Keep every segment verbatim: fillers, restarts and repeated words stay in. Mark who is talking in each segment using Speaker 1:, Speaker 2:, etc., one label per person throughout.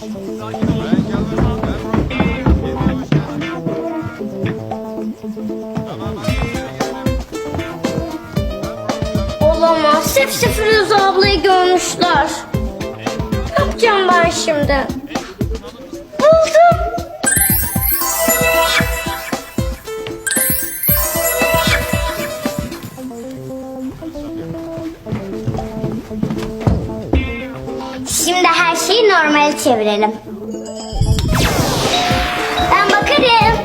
Speaker 1: Olamaz. Hepsi Firuze ablayı görmüşler. Ne yapacağım ben şimdi? Buldum. Şimdi her şeyi normale çevirelim. Ben bakarım.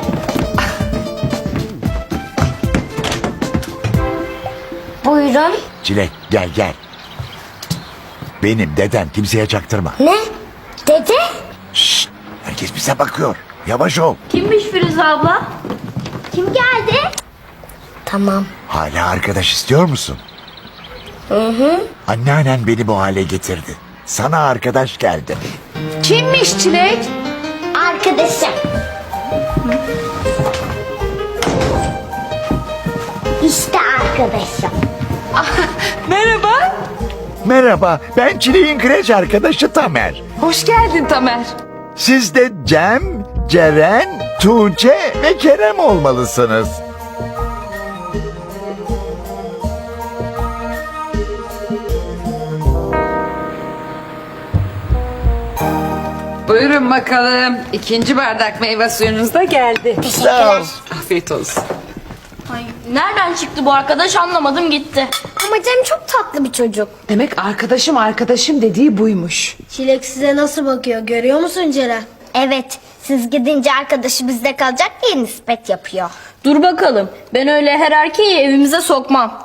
Speaker 1: Buyurun.
Speaker 2: Çilek gel gel. Benim deden, kimseye çaktırma.
Speaker 1: Ne? Dede?
Speaker 2: Şşt, herkes bize bakıyor. Yavaş ol.
Speaker 1: Kimmiş Firuze abla? Kim geldi? Tamam.
Speaker 2: Hala arkadaş istiyor musun?
Speaker 1: Hı hı.
Speaker 2: Anneannen beni bu hale getirdi. Sana arkadaş geldi.
Speaker 3: Kimmiş Çilek?
Speaker 1: Arkadaşım. İşte arkadaşım.
Speaker 3: Merhaba.
Speaker 2: Merhaba, ben Çilek'in kreş arkadaşı Tamer.
Speaker 3: Hoş geldin Tamer.
Speaker 2: Siz de Cem, Ceren, Tuğçe ve Kerem olmalısınız.
Speaker 3: Buyurun bakalım. İkinci bardak meyve suyunuz da geldi.
Speaker 1: Teşekkürler.
Speaker 3: Afiyet olsun.
Speaker 4: Ay, nereden çıktı bu arkadaş anlamadım gitti.
Speaker 1: Ama Cem çok tatlı bir çocuk.
Speaker 3: Demek arkadaşım arkadaşım dediği buymuş.
Speaker 5: Çilek size nasıl bakıyor görüyor musun Ceren?
Speaker 1: Evet, siz gidince arkadaşı bizde kalacak diye nispet yapıyor.
Speaker 4: Dur bakalım ben öyle her erkeği evimize sokmam.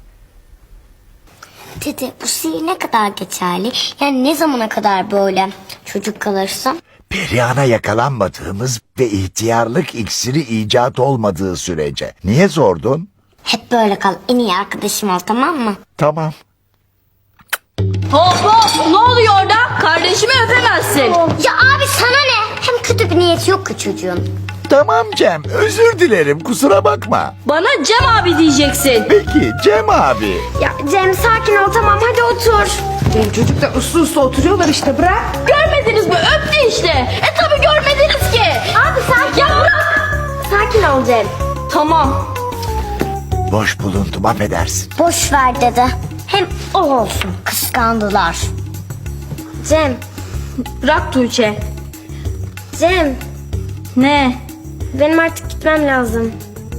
Speaker 1: Dede, bu sihir ne kadar geçerli? Yani ne zamana kadar böyle çocuk kalırsın?
Speaker 2: Perihan'a yakalanmadığımız ve ihtiyarlık iksiri icat olmadığı sürece. Niye sordun?
Speaker 1: Hep böyle kal, en iyi arkadaşım ol, tamam mı?
Speaker 2: Tamam.
Speaker 4: Hop hop ne oluyor orada? Kardeşimi öpemezsin.
Speaker 1: Ya abi sana ne? Hem kötü bir niyeti yok ki çocuğun.
Speaker 2: Tamam Cem, özür dilerim, kusura bakma.
Speaker 4: Bana Cem abi diyeceksin.
Speaker 2: Peki Cem abi.
Speaker 1: Ya Cem sakin ol, tamam hadi otur.
Speaker 3: Benim çocuklar uslu uslu oturuyorlar işte, bırak.
Speaker 4: Görmediniz mi? Öptü işte. E tabi görmediniz ki.
Speaker 1: Abi sakin
Speaker 4: Ya
Speaker 1: ol.
Speaker 4: bırak.
Speaker 1: Sakin ol Cem.
Speaker 4: Tamam.
Speaker 2: Boş bulundum, affedersin.
Speaker 1: Boş ver dede. Hem o olsun, kıskandılar. Cem,
Speaker 4: Bırak Tuğçe.
Speaker 1: Cem.
Speaker 4: Ne?
Speaker 1: Benim artık gitmem lazım.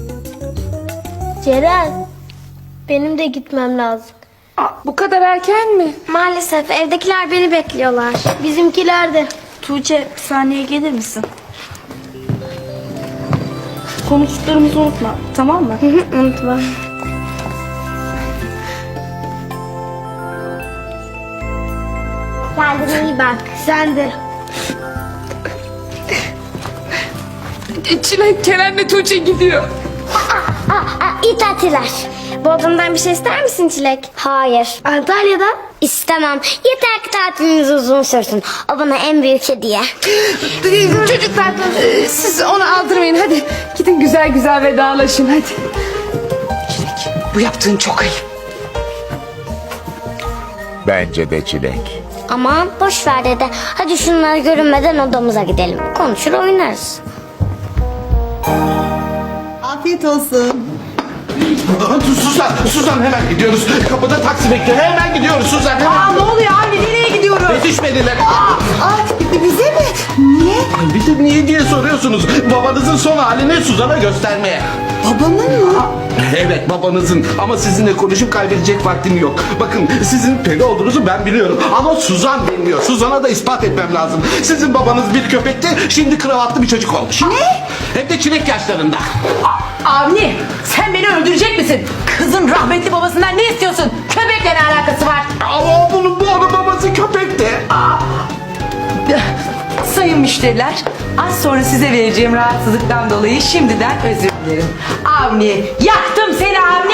Speaker 5: Ceren benim de gitmem lazım.
Speaker 3: Aa, bu kadar erken mi?
Speaker 1: Maalesef evdekiler beni bekliyorlar.
Speaker 5: Bizimkiler de.
Speaker 4: Tuğçe bir saniye gelir misin? Konuştuklarımızı unutma tamam mı?
Speaker 1: Unutma. Kendine iyi bak.
Speaker 5: Sen de.
Speaker 3: E, Çilek Kerem'le Tuğçe gidiyor.
Speaker 1: Aa, aa, iyi tatiller. Bodrum'dan bir şey ister misin Çilek? Hayır.
Speaker 5: Antalya'dan.
Speaker 1: İstemem. Yeter ki tatiliniz uzun sürsün. O bana en büyük hediye.
Speaker 3: Çocuklar e, siz onu aldırmayın, hadi. Gidin güzel güzel vedalaşın hadi. Çilek, bu yaptığın çok ayıp.
Speaker 2: Bence de Çilek.
Speaker 1: Aman boş ver dede. Hadi şunları görünmeden odamıza gidelim. Konuşur oynarız.
Speaker 6: Afiyet olsun.
Speaker 7: Suzan, Suzan hemen gidiyoruz. Kapıda taksi bekliyor. Hemen gidiyoruz Suzan. Hemen.
Speaker 3: Aa, ne oluyor anne, nereye gidiyoruz?
Speaker 7: Yetişmediler.
Speaker 6: Aa, bize mi? Niye?
Speaker 7: Ay, bir de niye diye soruyorsunuz. Babanızın son halini Suzan'a göstermeye.
Speaker 6: Babamın mı?
Speaker 7: Evet babanızın ama sizinle konuşup kaybedecek vaktim yok. Bakın sizin peri olduğunuzu ben biliyorum ama Suzan bilmiyor. Suzan'a da ispat etmem lazım. Sizin babanız bir köpekti, şimdi kravatlı bir çocuk olmuş. Ne? Hem de çilek yaşlarında.
Speaker 8: Avni, sen beni öldürecek misin? Kızın rahmetli babasından ne istiyorsun? Köpekle ne alakası var?
Speaker 7: Ama bunun bu onun babası köpekti.
Speaker 8: Sayın müşteriler, az sonra size vereceğim rahatsızlıktan dolayı şimdiden özür dilerim. Avni, yaktım seni Avni!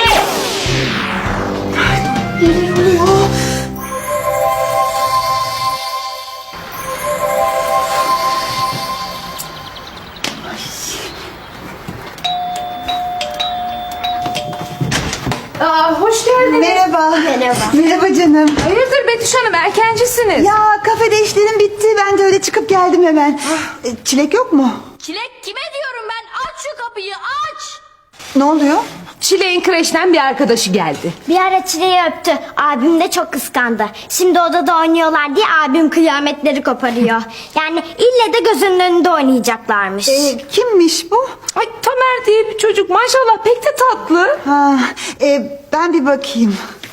Speaker 3: Aa, hoş hoş geldiniz.
Speaker 6: Merhaba.
Speaker 5: Merhaba.
Speaker 6: Merhaba canım.
Speaker 3: Hayırdır Betüş Hanım, erkencisiniz.
Speaker 6: Ya kafede işlerim bitti. Ben de öyle çıkıp geldim hemen. E, Çilek yok mu?
Speaker 4: Çilek kime diyorum ben? Aç şu kapıyı aç.
Speaker 6: Ne oluyor?
Speaker 3: Çileğin kreşten bir arkadaşı geldi.
Speaker 1: Bir ara Çile'yi öptü. Abim de çok kıskandı. Şimdi odada oynuyorlar diye abim kıyametleri koparıyor. Yani ille de gözünün önünde oynayacaklarmış.
Speaker 6: E, kimmiş bu?
Speaker 3: Ay Tamer diye bir çocuk, maşallah pek de tatlı.
Speaker 6: Ha, e, ben bir bakayım.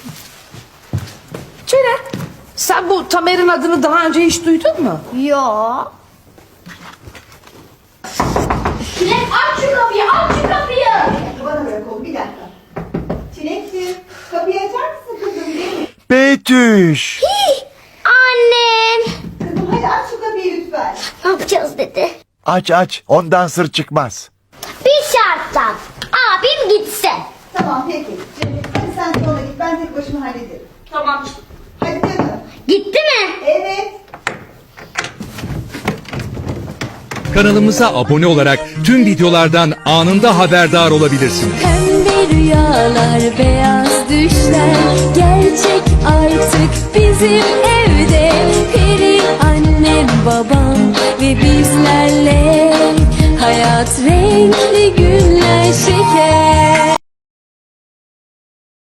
Speaker 3: Ceren, sen bu Tamer'in adını daha önce hiç duydun mu?
Speaker 1: Yo.
Speaker 4: Çilek aç şu kapıyı aç şu kapıyı.
Speaker 6: Bana bırak oğlum bir dakika. Çilekciğim kapıyı açar mısın kızım?
Speaker 2: Betüş.
Speaker 1: Annem.
Speaker 6: Kızım hadi aç şu kapıyı lütfen.
Speaker 1: Ne yapacağız dedi.
Speaker 2: Aç aç, ondan sır çıkmaz.
Speaker 1: Bir şartla. Abim gitsin.
Speaker 6: Tamam peki. Cemil, hadi sen sonra git. Ben tek başıma hallederim.
Speaker 4: Tamam.
Speaker 6: Hadi canım.
Speaker 1: Gitti mi?
Speaker 6: Evet.
Speaker 9: Kanalımıza abone olarak tüm videolardan anında haberdar olabilirsiniz.
Speaker 10: Pembe rüyalar, beyaz düşler gerçek artık bizim evde. Peri annem, babam ve bizlerle hayat renkli günler şeker.